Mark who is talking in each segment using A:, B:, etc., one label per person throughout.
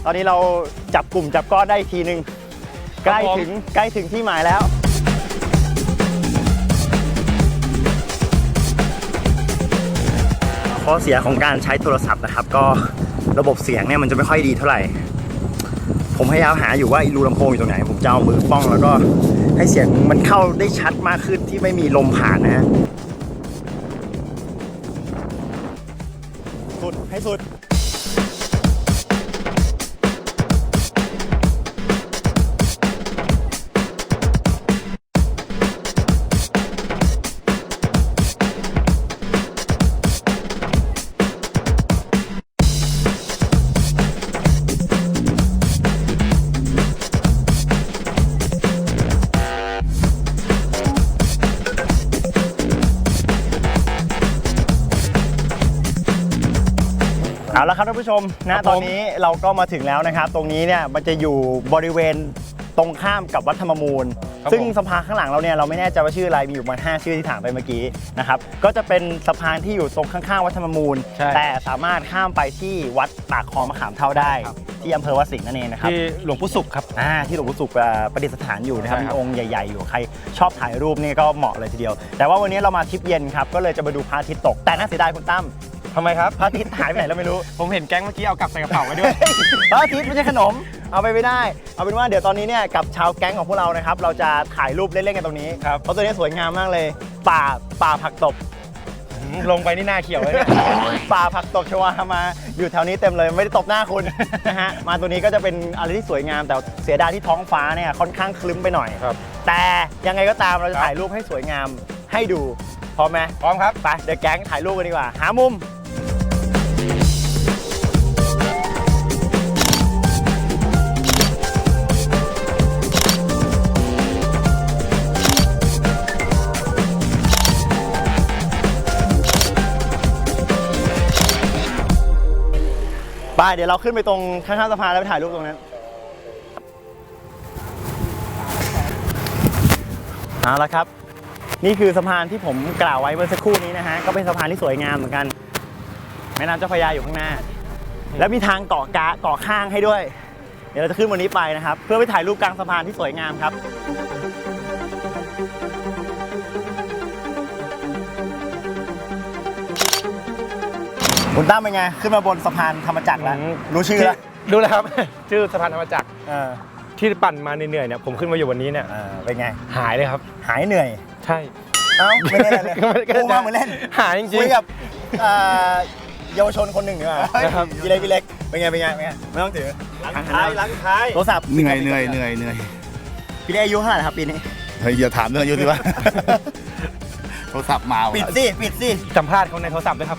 A: ตอนนี้เราจับกลุ่มจับก้อนได้ทีนึงใกล้ถึงที่หมายแล้วข้อเสียของการใช้โทรศัพท์นะครับก็ระบบเสียงเนี่ยมันจะไม่ค่อยดีเท่าไหร่ผมพยายามหาอยู่ว่ารูลำโพงอยู่ตรงไหนผมจะเอามือป้องแล้วก็ให้เสียงมันเข้าได้ชัดมากขึ้นที่ไม่มีลมผ่านนะฮะสุดให้สุดเอาละครับท่านผู้ชมนะตอนนี้เราก็มาถึงแล้วนะครับตรงนี้เนี่ยมันจะอยู่บริเวณตรงข้ามกับวัดธรรมมูลซึ่งสะพานข้างหลังเราเนี่ยเราไม่แน่ใจว่าชื่ออะไรมีอยู่ประมาณ5ชื่อที่ถามไปเมื่อกี้นะครับก็จะเป็นสะพานที่อยู่ตรงข้างๆวัดธรรมมูลแต่สามารถข้ามไปที่วัดปากคลองมะขามเท่าได้ที่อำเภอวัดสิงห์นั่นเองนะครับ
B: ที่หลวงปู่ศุกร์ครับ
A: ที่หลวงปู่ศุกร์ประดิษฐานอยู่นะครับมีองค์ใหญ่ๆอยู่ใครชอบถ่ายรูปนี่ก็เหมาะเลยทีเดียวแต่ว่าวันนี้เรามาทริปเย็นครับก็เลยจะมาดูพระอาทิตย์ตกแต่น่าเสียดายคุณตั้ม
B: ทำไมครับ
A: พระอาทิตย์หายไปไหนเราไม่รู้
B: ผมเห็นแก๊งเมื่อกี้เอากลับใส่กระเป๋าไว้ด้วย
A: พระอาทิตย์ไม่ใช่ขนมเอาไปไม่ได้เอาเป็นว่าเดี๋ยวตอนนี้เนี่ยกับชาวแก๊งของพวกเรานะครับเราจะถ่ายรูปเล่นๆกันตรงนี้เพราะตัวนี้สวยงามมากเลยป่าผักตบ
B: ลงไปนี่หน้าเขียวเลย
A: ป่าผักตบชวามาอยู่แถวนี้เต็มเลยไม่ได้ตบหน้าคุณนะฮะมาตัวนี้ก็จะเป็นอะไรที่สวยงามแต่เสียดายที่ท้องฟ้าเนี่ยค่อนข้างคลึ้มไปหน่อยแต่ยังไงก็ตามเราจะถ่ายรูปให้สวยงามให้ดูพร้อมไหม
B: พร้อมครับ
A: ไปเดี๋ยวแก๊งถ่ายรูปกันดีกว่าหามุมไปเดี๋ยวเราขึ้นไปตรงข้างๆสะพานแล้วไปถ่ายรูปตรงนั้นเอาละครับนี่คือสะพานที่ผมกล่าวไว้เมื่อสักครู่นี้นะฮะก็เป็นสะพานที่สวยงามเหมือนกันแม่น้ำเจ้าพระยาอยู่ข้างหน้าแล้วมีทางเกาะข้างให้ด้วยเดี๋ยวเราจะขึ้นวันนี้ไปนะครับเพื่อไปถ่ายรูปกลางสะพานที่สวยงามครับคุณตั้มเป็นไงขึ้นมาบนสะพานธรรมจักรแล้วรู้ชื่อแล้ว
B: รู้แล้วครับชื่อสะพานธรรมจักรที่ปั่นมาเหนื่อยเนี่ยผมขึ้นมาอยู่วันนี้เนี่ย
A: เป็นไง
B: หายเลยครับ
A: หายเหนื่อย
B: ใช่
A: เอ้าไม่เล่นเลยกูมาเหมือนเล่น
B: หายจริงๆ
A: คุยกับเยาวชนคนหนึ่งดีกว่าครับพี่เล็กเป็นไงไม่ต้องถือ
B: ล้างท้าย
A: โทรศัพท์
C: เหนื่อย
A: พี่เล็กอายุเท่าไหร่ครับปีนี้
C: เฮ้ยอย่าถามเรื่องอายุสิวะโทรศัพท์มา
A: ปิดสิ
B: สัมภาษณ์เขาในโทรศัพท์ด้วยครับ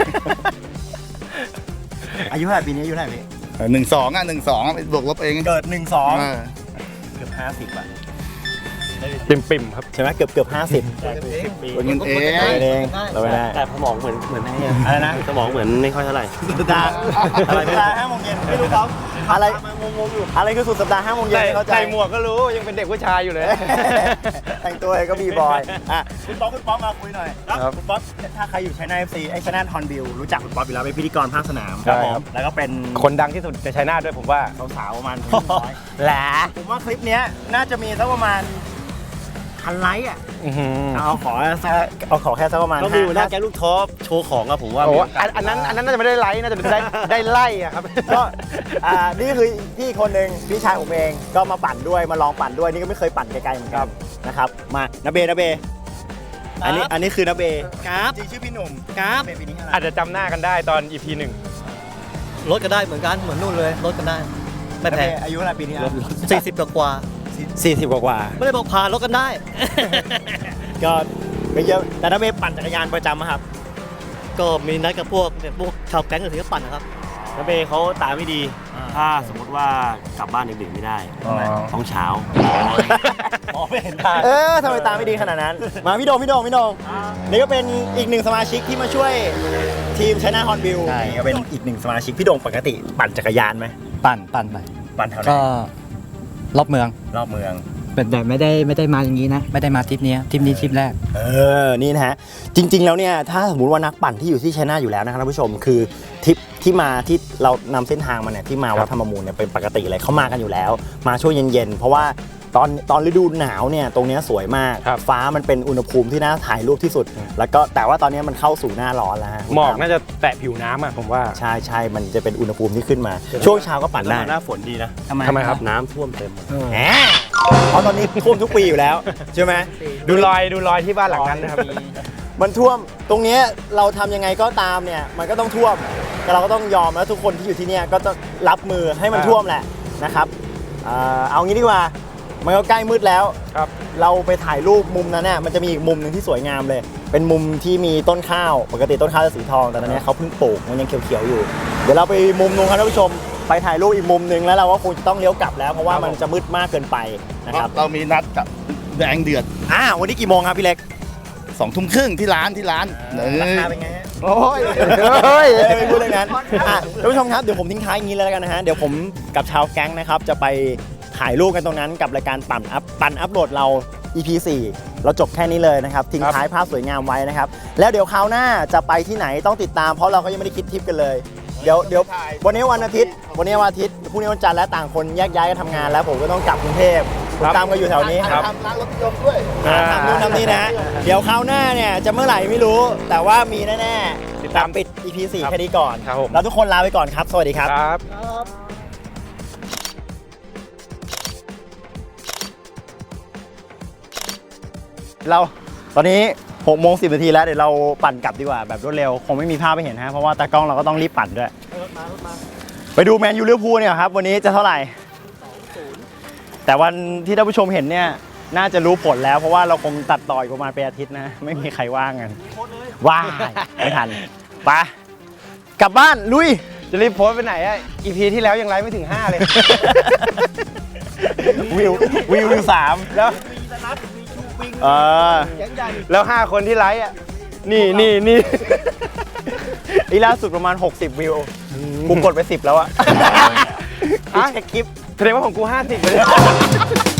A: อายุเท่าไหร่ปีนี้อายุเท่าไหร่พี่
C: 12ไปบวกลบเอง
A: เกิด12เกือบ50 อ่ะ
B: ปิ่มครับ
A: ใช่ไหมเกือบ50
C: ปีเงินเอง
A: เราไม่ได้
D: แต่สมองเหมือน
A: อะไรนะ
D: สมองเหมือนไม่ค่อยเท่าไหร่
A: สุดสัปดาห์อะไรเวลา 5 โมงเย็นไม่รู้เขาอะไรคือสุดสัปดาห์ 5 โมงเย็นเข้าใจ
B: ใส่หมวกก็รู้ยังเป็นเด็กผู้ชายอยู่เลย
A: แต่งตัวก็บีบอยคุณป๊อปมาคุยหน่อยคุณป๊อปถ้าใครอยู่ชัยนาท FC ไอ้ชัยนาทฮอนบิลรู้จักคุณป๊อปอยู่แล้วเป็นพิธีกรภาคสนามครับผมแล้วก็เป็น
B: คนดังที่สุดในชัยนาทด้วยผมว่า
A: สาวๆประมาณ100แหละผมว่าคลิปนี้น่าจะมีสักประมาณ1,000 ไลค์อ่ะเอาขอแค่สักประมาณ
D: ก็มีหน้าแก๊งลูกท็อปโชว์ของอะผมว่า
B: อันนั้นน่าจะไม่ได้ไลค์น่าจะได้ไล่อะครับ
A: ก็นี่คือพี่คนหนึ่งพี่ชายผมเองก็มาปั่นด้วยมาลองปั่นด้วยนี่ก็ไม่เคยปั่นไกลๆเหมือนกันนะครับมานาเบอันนี้คือนาเบ
D: ครับ
A: จริงชื่อพี่หนุ่ม
D: ครับ
B: อาจจะจำหน้ากันได้ตอน EP
D: 1รถก็ได้เหมือนกันเหมือนนู่นเลยรถกันได้ไม่แพง
A: อายุเท่าไหร่ปีนี้
D: 40 กว่า
A: 40 กว่า
D: ไม่ได้บอกผ่านรถกันได้
A: ก็ไม่เยอะแต่นาเบปั่นจักรยานประจำครับ
D: ก็มีนัดกับพวกชาวแก๊งอื่นก็ปั่นนะครับนาเบเขาตาไม่ดีถ้าสมมติว่ากลับบ้านดึกๆไม่ได้ต้องเช้า
A: ไม่เห็นตาทำไมตาไม่ดีขนาดนั้นมาพี่โดงนี่ก็เป็นอีกหนึ่งสมาชิกที่มาช่วยทีมชัยนาทฮอนบิลนี่ก็เป็นอีกหนึ่งสมาชิกพี่โดงปกติปั่นจักรยานไหม
E: ปั่น
A: แถวไหน
E: ก็รอบเมืองแต่ไม่ได้มาอย่างนี้นะไม่ได้มาทริปนี้ทริปแรก
A: นี่นะฮะจริงๆแล้วเนี่ยถ้าสมมติว่านักปั่นที่อยู่ที่ชัยนาทอยู่แล้วนะครับท่านผู้ชมคือทริปที่มาที่เรานำเส้นทางมาเนี่ยที่มาวัดธรรมมูลเนี่ยเป็นปกติเลยเขามากันอยู่แล้ว มาช่วงเย็นๆเพราะว่าตอนฤดูหนาวเนี่ยตรงเนี้ยสวยมาก
B: ครับ
A: ฟ้ามันเป็นอุณหภูมิที่น่าถ่ายรูปที่สุด แล้วก็แต่ว่าตอนนี้มันเข้าสู่หน้าร้อนแล้วฮะ
B: หมอกน่าจะแตะผิวน้ำอ่ะผมว่า
A: ใช่ใช่มันจะเป็นอุณหภูมิที่ขึ้นมา ช่วงเช้าก็ปั่นได้
D: หน้าฝนดีนะ
B: ทำไมครับ
D: น้ำท่วมเต็ม
A: แหมเพราะตอนนี้ท่วมทุกปีอยู่แล้วใช่ไหม
B: ดูรอยที่บ้านหลังนั้นนะครับ
A: มันท่วมตรงเนี้ยเราทำยังไงก็ตามเนี่ยมันก็ต้องท่วมแต่เราก็ต้องยอมแล้วทุกคนที่อยู่ที่เนี่ยก็จะรับมือให้มันท่วมแหละนะครับเอางี้ดีกว่ามันก็ใกล้มืดแล้ว
B: ครับ
A: เราไปถ่ายรูปมุมนั้นเนี่ยมันจะมีอีกมุมหนึ่งที่สวยงามเลย เป็นมุมที่มีต้นข้าวปกติต้นข้าวจะสีทองแต่ตอนนี้เขาเพิ่งปลูกมันยังเขียวๆอยู่ เดี๋ยวเราไปมุมนู้นครับท่านผู้ชมไปถ่ายรูปอีกมุมหนึ่งแล้วเราก็คงจะต้องเลี้ยวกลับแล้วเพราะว่ามันจะมืดมากเกินไปนะครับ
C: เรามีนัดกับแดงเดือด
A: วันนี้กี่โมงครับพี่เล็ก
C: 2 ทุ่มครึ่งที่ร้าน
A: ราคาเป็นไงฮะ
C: โอ้ย
A: ไม่พูดเลยนั้นท่านผู้ชมครับเดี๋ยวผมทิ้งท้ายอย่างนี้เลยแล้วกันนะฮะเดี๋ยวผมกับชาวแก๊งนะครับจะไปถ่ายรูปกันตรงนั้นกับรายการปั่นอัพโหลดเรา EP 4 เราจบแค่นี้เลยนะครับทิ้งท้ายภาพสวยงามไว้นะครับแล้วเดี๋ยวคราวหน้าจะไปที่ไหนต้องติดตามเพราะเราก็ยังไม่ได้คิดทริปกันเลยเดี๋ยววันนี้วันอาทิตย์พรุ่งนี้วันจันทร์และต่างคนแยกย้ายกันทำงานแล้วผมก็ต้องกลับกรุงเทพคุณตามก็อยู่แถวนี้ครับ
C: ทำร้านรถยนต์ด้วย
A: ทำนู่นทำนี่นะฮะเดี๋ยวคราวหน้าเนี่ยจะเมื่อไหร่ไม่รู้แต่ว่ามีแน่ๆ
B: ติดตาม
A: ปิด EP 4 แค่นี้ก่อน
B: ครับผม
A: เราทุกคนลาไปก่อนครับ สวัสดีครับ
B: ครับ
A: เราตอนนี้6 โมง 10 นาทีแล้วเดี๋ยวเราปั่นกลับดีกว่าแบบรวดเร็วคงไม่มีภาพไปเห็นฮะเพราะว่าตากล้องเราก็ต้องรีบปั่นด้วยไปดูแมนยูลิเวอร์พูลเนี่ยครับวันนี้จะเท่าไหร่ แต่วันที่ท่านผู้ชมเห็นเนี่ยน่าจะรู้ผลแล้วเพราะว่าเราคงตัดต่ออีกประมาณเป็นอาทิตย์นะไม่มีใครว่างกันว่างไม่ทันไปกลับบ้านลุย
B: จะรีบโพสต์ไปไหนอ่ะ EP ที่แล้วยังไลฟ์ไม่ถึง 5 เลย
A: วิว3
B: แล้ว แล้ว 5 คนที่ไลฟ์อ่ะ นี่
A: อีล่าสุดประมาณ60 วิวกูกดไป10แล้วอะ
B: อ่ะ
A: เช็คคลิป
B: แสดงว่าของกู 50 เลย